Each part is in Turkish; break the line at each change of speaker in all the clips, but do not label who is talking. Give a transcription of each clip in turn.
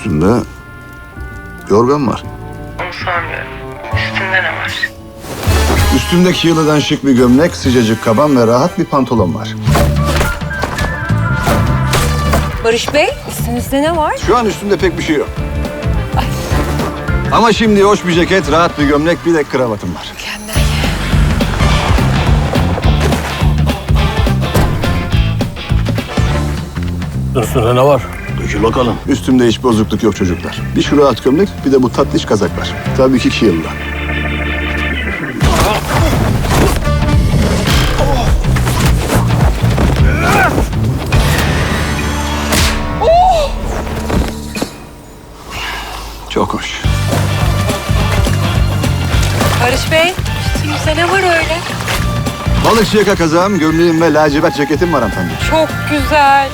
Üstünde yorgan var.
Onu sormuyorum. Üstünde ne var?
Üstümdeki yılıdan şık bir gömlek, sıcacık kaban ve rahat bir pantolon var.
Barış Bey, üstünüzde ne var?
Şu an üstümde pek bir şey yok. Ama şimdi hoş bir ceket, rahat bir gömlek, bir de kravatım var.
Mükemmel.
Üstünde ne var?
Dökül bakalım. Üstümde hiç bozukluk yok çocuklar. Bir şu rahat gömlek, bir de bu tatlış kazak var. Tabii ki 2 yılda. Çok hoş.
Barış Bey, üstünüzde ne var öyle?
Balıkçı yaka kazağım, gömleğim ve lacivert ceketim var hanımefendi.
Çok güzel.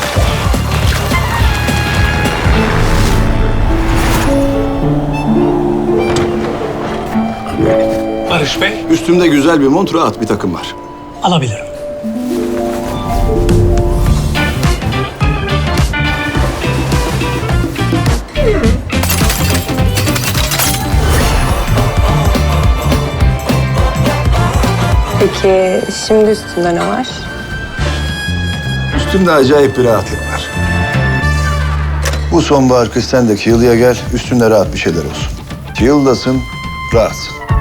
Barış Bey.
Üstümde güzel bir mont, rahat bir takım var.
Alabilirim.
Peki şimdi üstünde ne var?
Üstümde acayip bir rahatlık var. Bu sonbahar kış sen de Kiel'ya gel, üstünde rahat bir şeyler olsun. Kiel'dasın, rahatsın.